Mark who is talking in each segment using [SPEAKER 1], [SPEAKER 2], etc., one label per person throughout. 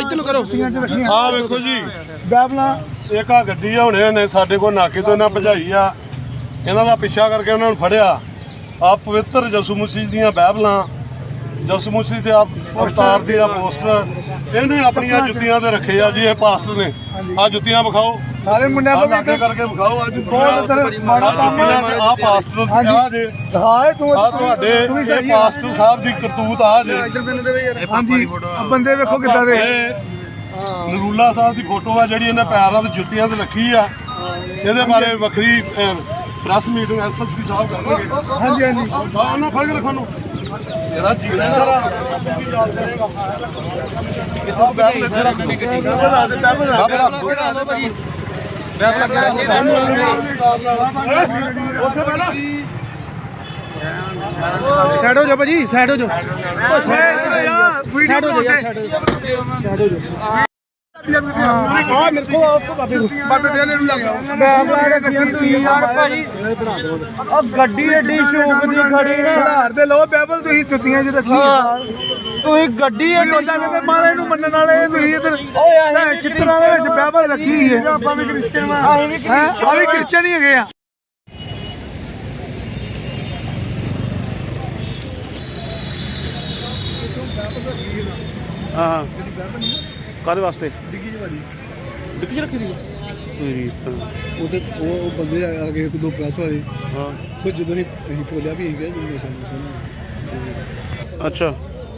[SPEAKER 1] ਇੱਧਰ ਨੂੰ ਕਰੋ
[SPEAKER 2] ਆਹ ਵੇਖੋ ਜੀ
[SPEAKER 3] ਬਾਈਬਲਾਂ
[SPEAKER 2] ਇੱਕ ਆ ਗੱਡੀ ਆ ਹੁਣੇ ਨੇ ਸਾਡੇ ਕੋਲ ਨਾਕੇ ਤੋਂ ਇਹਨਾਂ ਭਜਾਈ ਆ ਇਹਨਾਂ ਦਾ ਪਿੱਛਾ ਕਰਕੇ ਉਹਨਾਂ ਨੂੰ ਫੜਿਆ ਆ ਪਵਿੱਤਰ ਯਿਸੂ ਮਸੀਹ ਦੀਆਂ ਬਾਈਬਲਾਂ ਯਿਸੂ ਮਸੀਹ ਤੇ ਅਵਤਾਰ ਦੀ ਆ ਪੋਸਟਰ ਇਹਨੇ ਆਪਣੀਆਂ ਜੁੱਤੀਆਂ ਤੇ ਰੱਖੇ ਆ ਜੀ ਇਹ ਪਾਸਟਰ ਨੇ ਆ ਜੁੱਤੀਆਂ ਵਿਖਾਓ
[SPEAKER 3] ਸਾਰੇ ਮੁੰਡਿਆਂ ਤੋਂ
[SPEAKER 2] ਲਾਗੇ ਕਰਕੇ ਵਿਖਾਓ ਅੱਜ
[SPEAKER 3] ਬਹੁਤ ਮਾੜਾ ਕੰਮ
[SPEAKER 2] ਆ ਪਾਸਟਰ ਆ ਜੇ
[SPEAKER 3] ਦਿਖਾਏ ਤੂੰ
[SPEAKER 2] ਆ ਤੁਹਾਡੇ ਇਹ ਪਾਸਟਰ ਸਾਹਿਬ ਦੀ ਕਰਤੂਤ ਆ ਜੇ
[SPEAKER 3] ਹਾਂਜੀ ਬੰਦੇ ਵੇਖੋ ਕਿੱਦਾਂ ਦੇ
[SPEAKER 2] ਨਰੂਲਾ ਸਾਹਿਬ ਦੀ ਫੋਟੋ ਆ ਜਿਹੜੀ ਇਹਨੇ ਪੈਰਾਂ ਤੇ ਜੁੱਤੀਆਂ ਤੇ ਰੱਖੀ ਆ ਇਹਦੇ ਬਾਰੇ ਵੱਖਰੀ ਪ੍ਰੈਸ ਮੀਟਿੰਗ ਐਸਐਸਪੀ ਸਾਹਿਬ ਕਰਨਗੇ
[SPEAKER 3] ਹਾਂਜੀ ਹਾਂਜੀ
[SPEAKER 2] ਉਹਨਾਂ ਫੜ ਕੇ ਰੱਖੋ ਨੂੰ ਇਹਦਾ ਜੀਣਾ ਜਰਾ ਕਿੱਥੋਂ ਬੈਠ ਇੱਥੇ ਰੱਖ
[SPEAKER 1] ਸਾਈਡ ਹੋ ਜਾ ਭਾਜੀ ਸਾਈਡ ਹੋ ਜਾ ਸਾਈਡ ਹੋ ਜਾ ਸਾਈਡ ਹੋ ਜਾ ਆ ਮੇਰੇ ਕੋ ਬਾਬੇ ਦੇ ਨੂੰ ਲੱਗ ਗਿਆ
[SPEAKER 3] ਬਾਈਬਲਾਂ ਦੇ ਗੱਡੀ ਯਾਰ ਭਾਜੀ ਆ ਗੱਡੀ ਏਡੀ ਸ਼ੌਕ ਦੀ ਖੜੀ ਨਾ ਹਾਰ ਦੇ ਲੋ ਬਾਈਬਲ ਤੁਸੀਂ ਜੁੱਤੀਆਂ 'ਚ ਰੱਖੀ ਤੁਸੀਂ ਗੱਡੀ ਏਡੀ ਉਹਨਾਂ ਕਹਿੰਦੇ ਮਹਾਰਾਜ ਨੂੰ ਮੰਨਣ ਵਾਲੇ ਤੁਸੀਂ ਇਧਰ ਓਏ ਚਿੱਤਰਾਂ ਦੇ ਵਿੱਚ ਬਾਈਬਲ ਰੱਖੀ ਹੈ ਆਪਾਂ ਵੀ ਕ੍ਰਿਸਚੀਅਨ ਆ ਵੀ ਕ੍ਰਿਸਚੀਅਨ ਹੀ ਹੈਗੇ ਆ
[SPEAKER 1] ਹਾਂ ਕਾਹਦੇ ਵਾਸਤੇ
[SPEAKER 3] ਡਿੱਗੀ 'ਚ ਭਾਜੀ
[SPEAKER 1] ਡਿੱਗੀ 'ਚ ਰੱਖੀ ਦੀ
[SPEAKER 3] ਉਹ ਬੰਦੇ ਆ ਗਏ ਇੱਕ ਦੋ ਪ੍ਰੈਸ ਵਾਲੇ
[SPEAKER 1] ਹਾਂ
[SPEAKER 3] ਫਿਰ ਜਦੋਂ ਅਸੀਂ ਬੋਲਿਆ ਵੀ ਇਹ ਜਿੰਨੇ ਸਾਨੂੰ
[SPEAKER 1] ਅੱਛਾ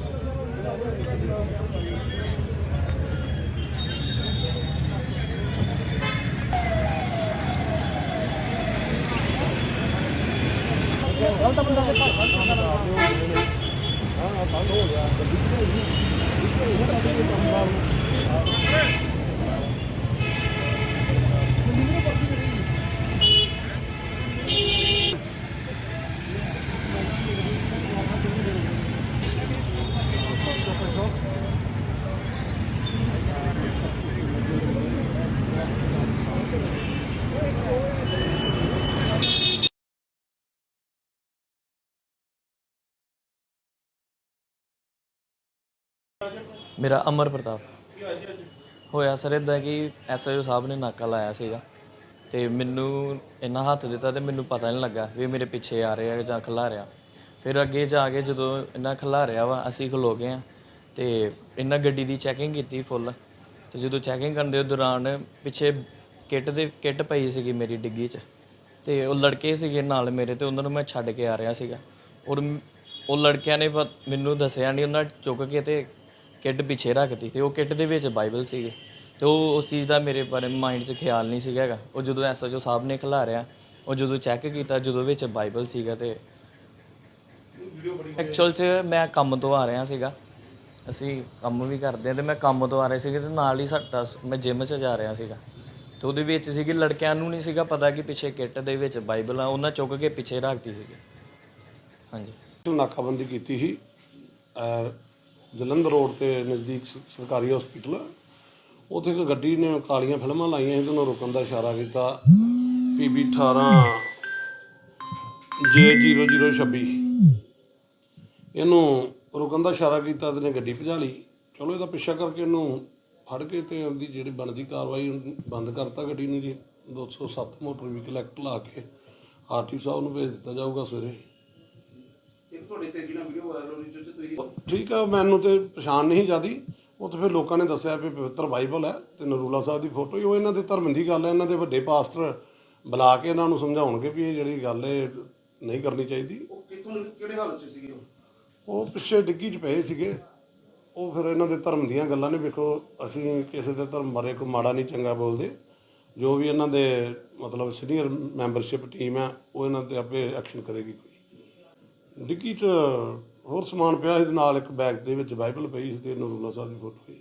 [SPEAKER 4] मेरा अमर प्रताप होया सर इदा कि SHO साहब ने नाका लाया सीगा ते मैनू इन्ना हत्थ दिता तो मैनू पता नहीं लगा भी मेरे पिछे आ रहे जां खिलारिया फिर अगे जाके जो इन्ना खिलारिया वा असी खलो गए हैं तो इन्ना गड्डी की चैकिंग की फुल तो जो चैकिंग करने के दौरान पिछे किट पई सी मेरी डिग्गी च तो वो लड़के से नाल मेरे तो उन्होंने मैं छड्ड के आ रहा सीगा और वो लड़किया ने मैनू दसिया नहीं उन्हें चुक के तो किट पिछे रखती तो वो किट के बाइबल से तो उस चीज़ का मेरे बारे माइंड च ख्याल नहीं सीगा वो जो SHO साहब ने खिलारिया वो जो चैक किया जो बाइबल सीगा तो एक्चुअल च मैं काम तो आ रहा सीगा असी काम भी करते हैं तो मैं काम तो आ रहे थे तो नाल ही साडा मैं जिम च जा रहा सीगा तो वो लड़कियां नूं नहीं सीगा पता कि पिछे किट के बाइबल आ उन्हें चुक के पिछे रखती सी हाँ जी
[SPEAKER 2] नाकाबंदी की थी जलंधर रोड के नज़दीक सरकारी हॉस्पिटल उत्थे एक गड्डी ने कालियां फिल्मां लाइयां इहदे नाल रोकण दा इशारा किया PB 18 J0026 इहनूं रोकण दा इशारा किया ते गड्डी भजा ली चलो इहदा पिछा करके इहनूं फड़ के ते उहदी जिहड़ी बनदी कार्रवाई बंद करता गड्डी नूं जी 207 मोटर व्हीकल एक्ट ला के RTO साहब नूं भेज दित्ता जाऊगा सवेरे ठीक है मैनू तो पछाण नहीं जाती वो तो फिर लोगों ने दसिया भी पवित्र बाइबल है तो नरूला साहब की फोटो ही वो इन्हों के धर्म की गल है इन्हों के वड्डे पास्टर बुला के इन्हों समझाउणगे भी ये जी गल है नहीं करनी चाहिए वो पिछे डिग्गी च पे सीगे वो फिर इन्हों के धर्म दीयां गल्लां ने वेखो असीं किसी के धर्म बारे कोई माड़ा नहीं चंगा बोलते जो भी इन्हों के मतलब सीनियर मैंबरशिप टीम है वो इन्हों पर आपे एक्शन करेगी कोई डिग्गी च होर समान पिया एक बैग के बाइबल पई सी ते नरूला साहब की फोटो पई